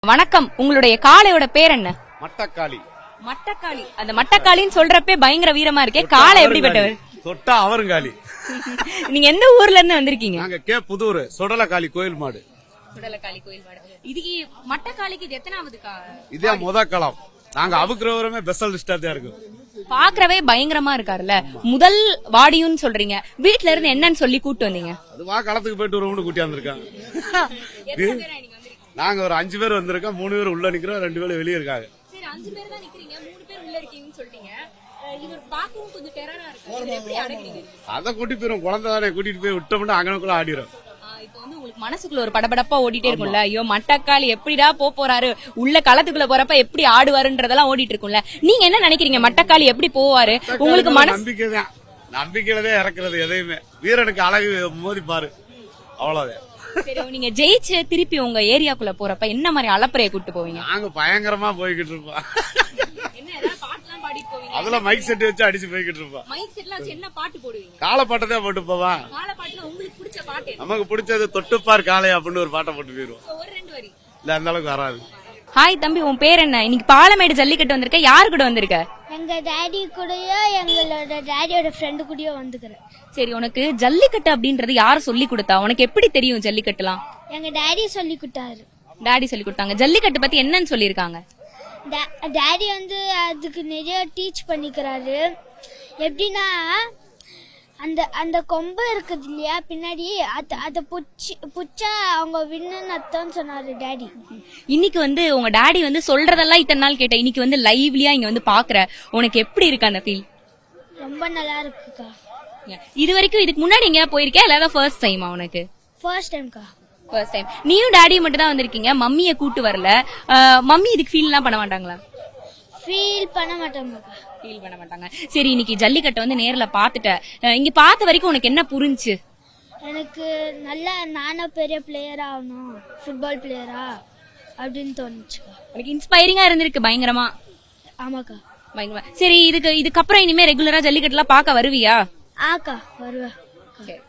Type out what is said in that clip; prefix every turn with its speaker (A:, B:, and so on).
A: வணக்கம், உங்களுடைய காளையோட பேர் என்ன?
B: மட்டக்காளி.
A: மட்டக்காளி. அந்த மட்டக்காளின்னு சொல்றப்பே பயங்கர வீரமா இருக்கே. காளை எப்படிப்பட்டவர்?
B: தொட்டா அவருங்காளி.
A: நீங்க எந்த ஊர்ல இருந்து வந்திருக்கீங்க?
B: நாங்க புதூர் சுடலக்காளி கோயில் மாடு.
A: சுடலக்காளி கோயில் மாடு. இதுக்கு மட்டக்காளிக்கு இது எத்தனாவது?
B: இதே முத களம். நாங்க அவுக்குறவருமே ஸ்பெஷலிஸ்டா தான் இருக்கும்.
A: பாக்குறவே பயங்கரமா இருக்காருல்ல. முதல் வாடியும் சொல்றீங்க. வீட்ல இருந்து என்னன்னு சொல்லி கூட்டு வந்தீங்க?
B: அதுவா களத்துக்கு போயிட்டு ஒரு கூட்டி வந்திருக்காங்க. நாங்க ஒரு 5 பேர் வந்திருக்கோம். 3 பேர் உள்ள நிக்கிறோம், 2 பேர் வெளியே இருக்காங்க.
A: சரி, 5 பேர் தான் நிக்கிறீங்க, 3 பேர் உள்ள இருக்கீங்கன்னு சொல்றீங்க. இது பாக்கவும் கொஞ்சம் டெரரா இருக்கு. இது எப்படி அடக்குறீங்க?
B: அத கூட்டி போயிரும். குழந்தை தானே, கூட்டிட்டு போய் விட்டோம்னா அங்கனக்குள்ள ஆடிரும்.
A: இப்போ வந்து உங்களுக்கு மனசுக்குள்ள ஒரு படபடப்பா ஓடிட்டே இருக்கும்ல. ஐயோ மட்டக்காளி எப்படிடா போறாரு, உள்ள களத்துக்குள்ள போறப்ப எப்படி ஆடுவாருன்றதெல்லாம் ஓடிட்டு இருக்கும்ல. நீங்க என்ன நினைக்கிறீங்க? மட்டக்காளி எப்படி போவாரு? உங்களுக்கு
B: நம்பிக்கைதான். நம்பிக்கையிலதான் இறக்குறது எதையுமே. வீரனுக்கு அழகு மோதி பாரு, அவ்வளவுதான்.
A: சரி, நீங்க ஜெயிச்சு திருப்பி உங்க ஏரியாக்குள்ள போறப்ப என்ன மாதிரி அலப்பறைய கூட்டு போவீங்க?
B: நாங்க பயங்கரமா போய்கிட்டு இருப்போம். அதுல மைக் செட் வச்சு அடிச்சு போய்கிட்டு இருப்போம்.
A: மைக் செட்ல வச்சு என்ன பாட்டு போடுவீங்க?
B: காளை பாட்டதே போட்டு போவா.
A: காளை பாட்டுல உங்களுக்கு பிடிச்ச பாட்டு?
B: நமக்கு பிடிச்சது தொட்டுப்பார் காளை அப்படின்னு ஒரு பாட்டை போட்டு போயிருவோம்.
A: ஒரு 2 வரி.
B: இல்ல அந்த அளவுக்கு வராது.
A: ஹாய் தம்பி, உன் பேர் என்ன? இன்னைக்கு பாலமேடு ஜல்லிக்கட்டு வந்திருக்க. யாரு கூட வந்திருக்க?
C: எங்க டாடி கூடயோ எங்களோட டாடியோட ஃப்ரெண்டு கூடயோ வந்துக்கிறேன்.
A: சரி, உனக்கு ஜல்லிக்கட்டு அப்படின்றது யாரு சொல்லி கொடுத்தா? உனக்கு எப்படி தெரியும் ஜல்லிக்கட்டுலாம்?
C: எங்க டாடி சொல்லி கொடுத்தாரு.
A: டாடி சொல்லி கொடுத்தாங்க. ஜல்லிக்கட்டு பத்தி என்னன்னு சொல்லிருக்காங்க?
C: டாடி வந்து அதுக்கு நிறைய டீச் பண்ணிக்கிறாரு. எப்படின்னா அந்த அந்த கொம்பு இருக்குது இல்லையா பின்னாடி, அதை புச்சா அவங்க வின்னு அர்த்தம் சொன்னாரு டாடி.
A: இன்னைக்கு வந்து உங்க டாடி வந்து சொல்றதெல்லாம் இத்தனை நாள் கேட்ட, இன்னைக்கு வந்து லைவ்லியா இங்க வந்து பாக்குற, உனக்கு எப்படி இருக்கு அந்த ஃபீல்?
C: ரொம்ப நல்லா இருக்குக்கா.
A: இது வரைக்கும் இதுக்கு முன்னாடி எங்கயா போயிருக்கே, இல்ல ஃபர்ஸ்ட் டைமா உனக்கு?
C: ஃபர்ஸ்ட் டைம்க்கா.
A: First time. நீயும் டாடியும் மட்டும் தான் வந்திருக்கீங்க, மம்மியை கூட்டு வரல. மம்மி இதுக்கு ஃபீல் எல்லாம் பண்ண மாட்டாங்களா?
C: ஃபீல் பண்ண மாட்டாங்க.
A: ஃபீல் பண்ண மாட்டாங்க. சரி, இன்னைக்கு ஜல்லிக்கட்டை வந்து நேர்ல பாத்துட்ட, இங்க பார்த்த வரைக்கும் உனக்கு என்ன புரிஞ்சு?
C: எனக்கு நல்லா நானும் பெரிய பிளேயரா ஆகணும், ஃபுட்பால் பிளேயரா அப்படின்னு தோணுச்சுக்கா.
A: உனக்கு இன்ஸ்பைரிங்கா இருந்திருக்கு பயங்கரமா?
C: ஆமாக்கா,
A: பயங்கரமா. சரி, இதுக்கப்புறம் இனிமே ரெகுலரா ஜல்லிக்கட்டுலாம் பார்க்க வருவியா?
C: ஆக்கா வருவேன்.